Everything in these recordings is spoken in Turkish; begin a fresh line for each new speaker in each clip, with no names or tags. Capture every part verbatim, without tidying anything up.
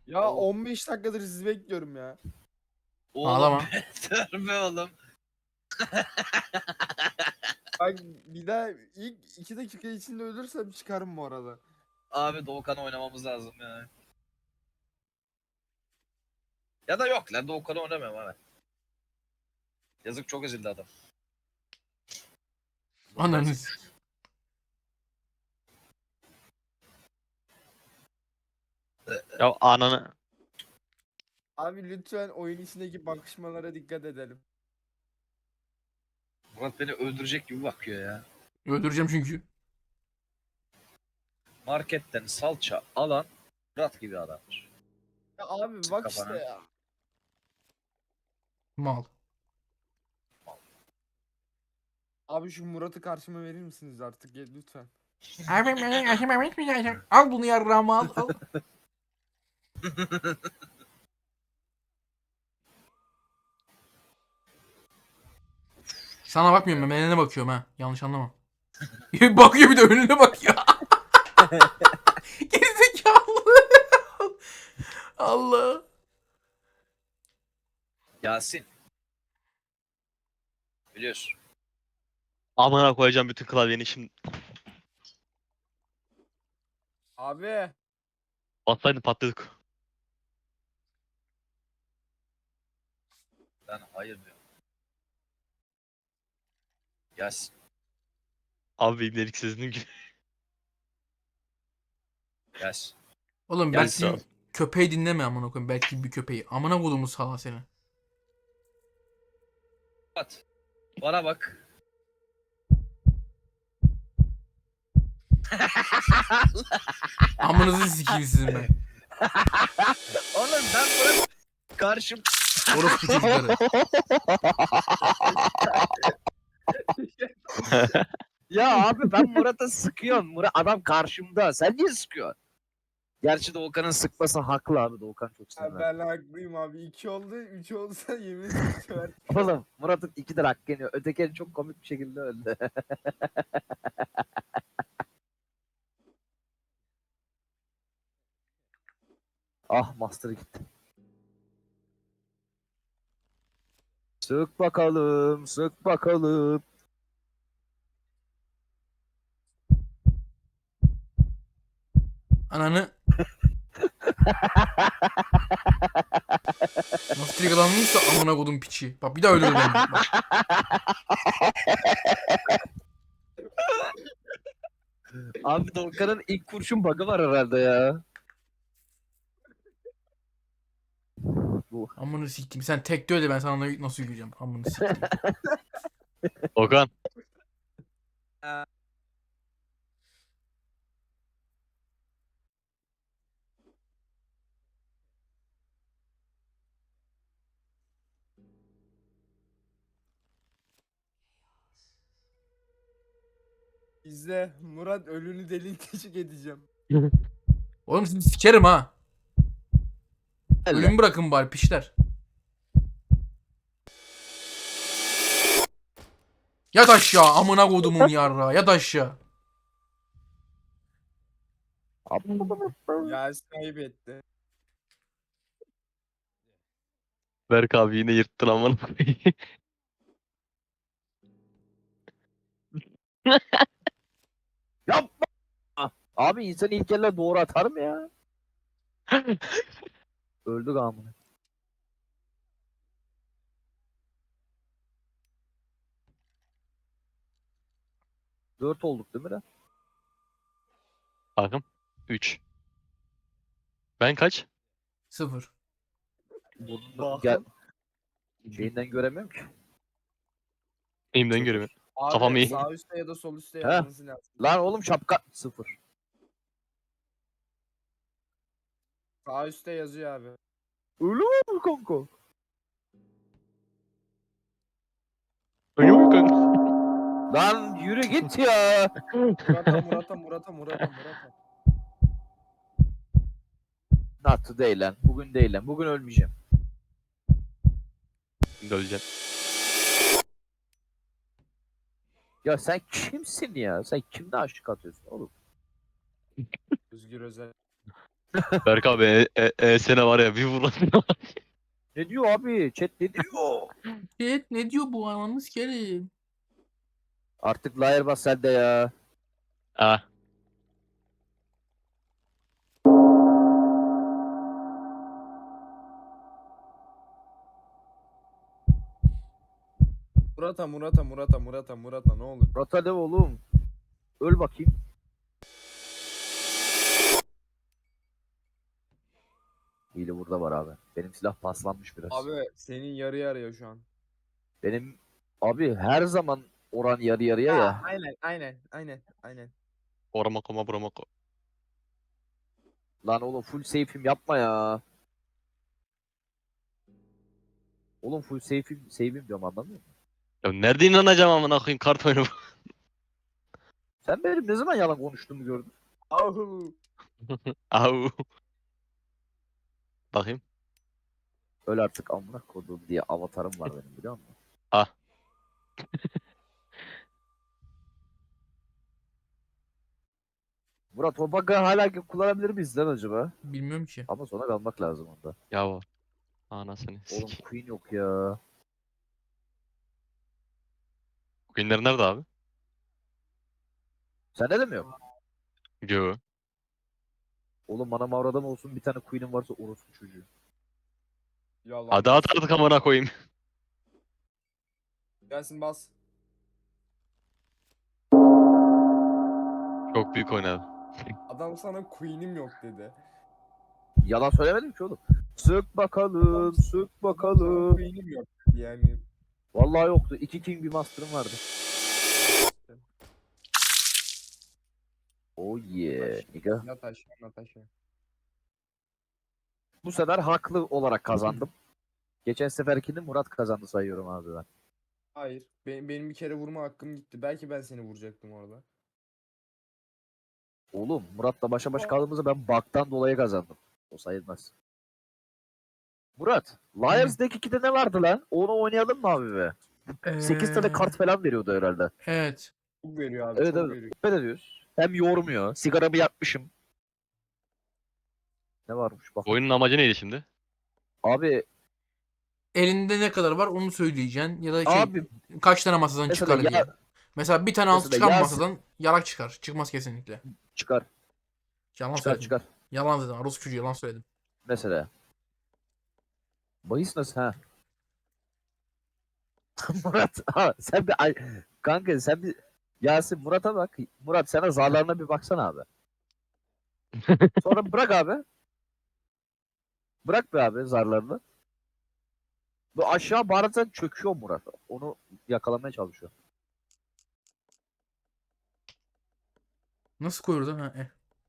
Ya
Oğlum,
on beş dakikadır sizi bekliyorum ya.
oğlum
Ağlama.
beter be oğlum.
Bak bir daha ilk iki dakika içinde ölürsem çıkarım bu arada.
Abi Doğukan oynamamız lazım ya. Ya da yok lan Doğukan'ı oynamıyorum abi. Yazık çok ezildi adam.
Ananı s-
Ya ananı.
Abi lütfen oyun içindeki bakışmalara dikkat edelim.
Murat beni öldürecek gibi bakıyor ya.
Öldüreceğim çünkü.
Marketten salça alan Murat gibi adamdır.
Ya abi
Sık
bak
kafana.
işte ya.
Mal.
Abi şu Murat'ı karşıma verir misiniz artık ya, lütfen.
Abi ben aşımam etmeyeceğim. Al bunu yarrağımı al al. Sana bakmıyorum ben. Menene bakıyorum ha. Yanlış anlama. Bakıyor bir de önüne bakıyor. Gerizekalı. Allah.
Yasin. Biliyorsun.
Amına koyacağım bütün klavyeni şimdi.
Abi
Bassaydın patladık.
Ben hayır diyorum. Yasin.
Abi benim deliksizliğim gibi.
Yasin.
Oğlum
Gel
belki
sağ ol.
köpeği dinleme amına koyayım. Belki bir köpeği. Amına kodumu sala seni.
Murat. Bana bak.
Amınızı sikeyim sizin ben.
Oğlum ben Murat karşım.
Orospu çocukları.
Ya abi ben Murat'a sıkıyorum. Murat adam karşımda. Sen niye sıkıyorsun? Gerçi Doğukan'ın sıkması haklı abi. Doğukan çok
ya
sinirlendi.
ben haklıyım abi. iki oldu. Üç olsa yemin ederim sever.
Oğlum Murat'ın iki de hakkı yeniyor. Öteki çok komik bir şekilde öldü. Ah Master gitti. Sık bakalım, sık bakalım.
Ananı. Nasıl triggerlanmışsa amına kodum piçi. Bak bir daha ölürüm ben. Bak.
Abi Doğukan'ın ilk kurşun bug'ı var herhalde ya. Bu.
Amını siktim. Sen tekte öyle ben sana nasıl yürüyeceğim. Amını siktim.
Okan.
İzle Murat ölünü delik deşik edeceğim.
Oğlum sizi sikerim ha.
Elle.
Ölümü bırakın bari piçler. Yat aşağı amına kodumun yarra. Yat aşağı.
Ya kaybetti.
Berk abi yine yırttın amına koyayım.
Yapma. Abi insan ilk elle doğru atar mı ya? Öldü gamını. Dört olduk değil mi lan?
Bakın. üç. Ben kaç?
Sıfır.
Burnundan gel. Şeyinden göremiyorum ki.
Elimden
Sıfır.
göremiyorum.
Abi
Kafam iyi.
sağ üstte ya da sol üstte
He.
yazması lazım.
Lan oğlum şapka. Sıfır.
Sağ üstte yazıyor abi.
Öyle mi kanka?
Ölüyor kanka.
Lan yürü git ya.
Murat'a Murat'a Murat'a Murat'a Murat'a.
Not today lan. Bugün değil lan. Bugün ölmeyeceğim.
Şimdi öleceğim.
Ya sen kimsin ya? Sen kimden aşık atıyorsun oğlum?
Özgür Özel.
Berk abi e, e, e sene var ya bir vurasın.
Ne diyor abi? Chat ne diyor?
Evet ne diyor bu ananı sikerim.
Artık Liar bas sen de ya.
Ha.
Murata Murata Murata Murata Murata ne olur.
Rota ne oğlum? Öl bakayım. Hile burada var abi. Benim silah paslanmış biraz.
Abi senin yarı yarıya şu an.
Benim abi her zaman oran yarı yarıya ya.
Aynen aynen aynen aynen.
Orama koma burama ko.
Lan oğlum full safe'im yapma ya. Oğlum full safe'im save'im diyorum anlamıyor musun?
Ya nerede inanacağım amına koyayım kart oyunu bu.
Sen benim ne zaman yalan konuştuğumu gördün?
Ahu.
Au. Bakayım.
Öl artık amına kodum diye avatarım var benim biliyor musun?
Ah.
Murat o bug'ı hala kullanabilir miyiz lan acaba?
Bilmiyorum ki.
Ama sonra kalmak lazım onda.
Ya var. Anasını
Oğlum
sik.
Queen yok ya.
Queen'ler nerede abi?
Sende de mi yok?
Yo.
Oğlum bana mavradan olsun bir tane Queen'im varsa orospu çocuğu.
Yalan.
Hadi at artık amına koyayım.
Gelsin bas.
Çok büyük oynadı.
Adam sana queen'im yok dedi.
Yalan söylemedim ki oğlum. Sık bakalım, sık
Sana
bakalım.
queen'im yok dedi yani.
Vallahi yoktu. İki king bir master'ım vardı. Oh yeah. Nigga.
Yat aşağı yat aşağı.
Bu sefer haklı olarak kazandım. Geçen seferkini Murat kazandı sayıyorum abi ben.
Hayır. Benim, benim bir kere vurma hakkım gitti. Belki ben seni vuracaktım orada.
Oğlum Murat'la başa baş kaldığımızda ben bug'dan dolayı kazandım. O sayılmaz. Murat, Liars Deck ikide ne vardı lan? Onu oynayalım mı abi be? sekiz tane
Ee,
kart falan veriyordu herhalde.
Evet.
Çok veriyor abi
Evet
çok
evet.
veriyor.
Ne ediyoruz? Hem yormuyor. Sigaramı yakmışım. Ne varmış bak.
Oyunun amacı neydi şimdi?
Abi
Elinde ne kadar var onu söyleyeceksin. Ya da şey
abi
kaç tane masadan
mesela
çıkar diye.
ya
Mesela bir tane altı
mesela
çıkan
Yasin
masadan yarak çıkar. Çıkmaz kesinlikle.
çıkar.
Yalan
Çıkar
söyledim.
çıkar.
Yalan dedim. Rus çocuğu yalan söyledim.
Mesela. Bahis nasıl ha? Murat ha, sen bir ay kanka sen bir Yasin Murat'a bak. Murat sana zarlarına bir baksana abi. Sonra bırak abi. Bırak be abi zarlarını. Bu aşağı bazen çöküyor Murat. Onu yakalamaya çalışıyor.
Nasıl koyuyoruz lan? Ha, eh.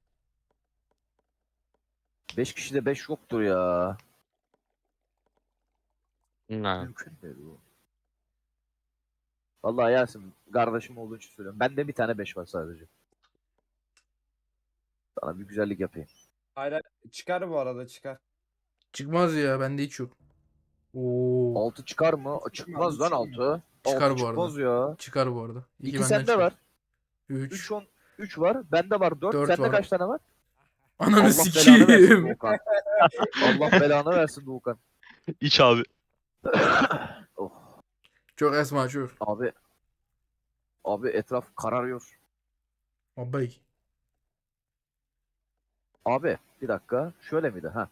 Beş kişide beş yoktur ya.
Ha.
Mümkün değil bu. Vallahi Yasin kardeşim olduğu için söylüyorum. Bende bir tane beş var sadece. Sana bir güzellik yapayım.
Hayır hayır. Çıkar bu arada çıkar.
Çıkmaz ya. Bende hiç yok. Oo.
Altı çıkar mı?
Çıkmaz,
Çıkmaz lan
çıkmıyor.
altı.
Çıkar
Altı
bu arada.
çıkmaz ya.
Çıkar bu arada. İki,
İki
benden
sende
çıkar.
var.
Üç.
Üç on üç var. Bende var dört.
Dört
Sende
var.
kaç tane var?
Ananı
Allah belanı versin
sikeyim.
Doğukan. Allah belanı versin Doğukan.
İç abi.
Oh,
Çok esma çok.
abi. Abi etraf kararıyor.
Abay.
Abi bir dakika. Şöyle miydi? Ha.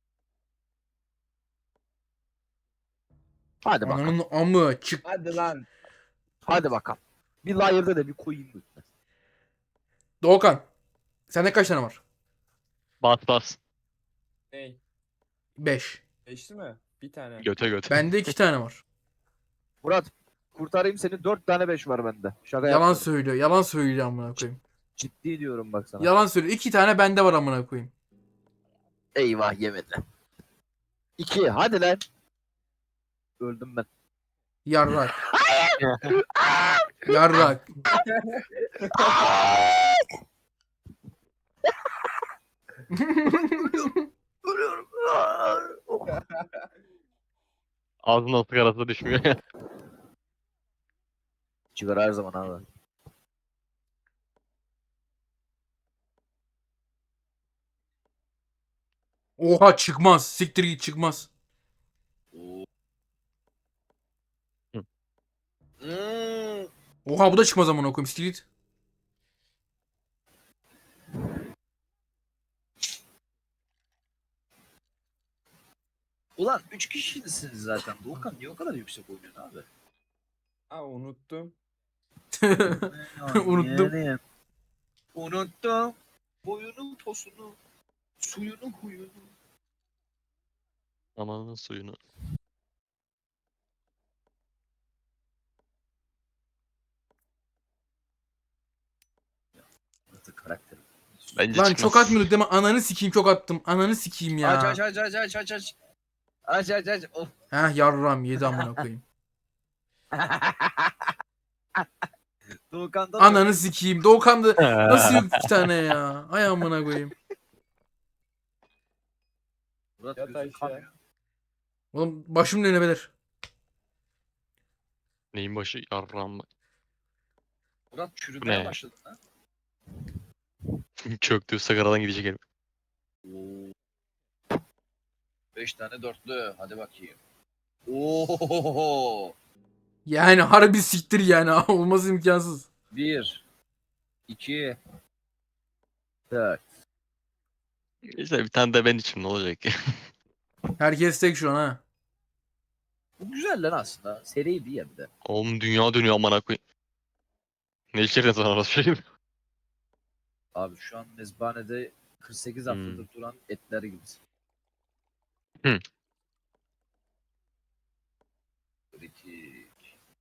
Hadi bakalım.
Ananın amı çık.
Hadi lan.
Hadi bakalım. Bir layer'da da bir koyayım lütfen.
Doğukan. Sende kaç tane var?
Bas bas.
Ney?
Beş.
Geçti mi? Bir tane.
Göte göte.
Bende iki tane var.
Murat kurtarayım seni. Dört tane beş var bende. Şaka
Yalan
yapmıyorum.
söylüyor. Yalan söylüyor amına koyayım.
Ciddi diyorum bak sana.
Yalan söylüyor. İki tane bende var amına koyayım.
Eyvah yemedi. İki. Hadi lan. Öldüm ben.
Yarrak. Yarrak.
Ölüyorum. Oh.
Ağzından sigarası düşmüyor ya.
Sigara her zaman abi.
Oha çıkmaz. Siktir git çıkmaz.
Oo.
Hı.
Hmm.
Oha bu da çıkmaz amına koyayım. Siktir git.
Ulan üç kişisiniz zaten. Doğukan niye o kadar yüksek oynuyorsun abi?
Ha unuttum.
Unuttum.
Yani, unuttum. Boyunun posunu. Suyunu huyunu.
Amanın suyunu.
Murat'ın karakteri.
Bence
Lan
çıkmaz.
çok atmıyorduk değil mi? Ananı sikeyim çok attım. Ananı sikeyim ya.
Aç aç aç aç aç aç aç. Aç aç aç. Of.
Heh yarram yedi amına koyayım.
Doğukan'da da
Ananı sikeyim. Doğukan da nasıl yok iki tane ya? Ay amına koyayım.
Murat
Yat
gözün
aşağı.
kanıyor.
Oğlum başım dönebilir.
Neyin başı yarram.
Murat
Bu
çürümeye
ne?
başladın ha.
Çöktü sigaradan gidecek herif.
Oo. Beş tane dörtlü. Hadi bakayım. Oo.
Yani harbi siktir yani. Olması imkansız.
Bir. iki. Dört.
İşte bir tane de ben içim ne olacak ki?
Herkes tek şu an ha.
Bu güzel lan aslında. Seriydi ya bir de.
Oğlum dünya dönüyor amına koyayım. Ne içeriz var orası şey mi?
Abi şu an mezbanede kırk sekiz
Hmm.
haftadır duran etler gibi.
Hı.
Kritik.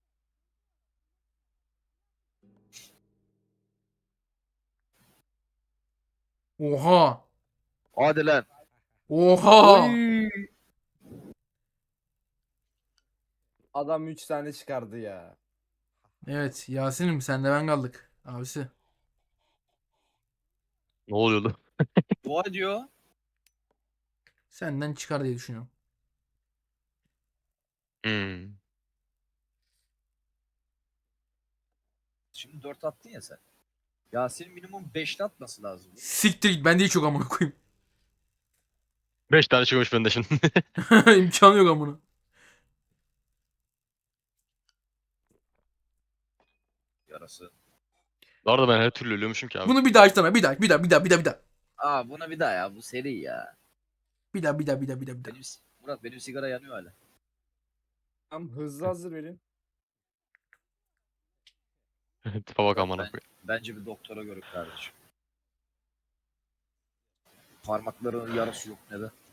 Oha.
Hadi lan.
Oha.
Oy.
Adam üç tane çıkardı ya.
Evet Yasin'im sen de ben kaldık. Abisi.
Ne oluyordu?
Dua ediyor.
Senden çıkar diye düşünüyorum.
Hmm.
Şimdi dört attın ya sen. Yasin minimum beşli atması lazım.
Siktir git ben değil çok amına koyayım.
Beş tane çıkmış bende şimdi.
İmkanı yok amına.
Yarası.
Bu arada ben her türlü ölüyormuşum ki abi.
Bunu bir daha açsana. Bir daha bir daha bir daha bir daha bir daha.
Aa buna bir daha ya. Bu seri ya.
Bir daha bir daha bir daha bir daha bir daha.
Benim, Murat benim sigara yanıyor hala.
Tam hızlı hazır verin.
Tipe bak
Murat,
amına
ben,
koyayım.
bence bir doktora görün kardeşim. Parmaklarının yarası yok ne de.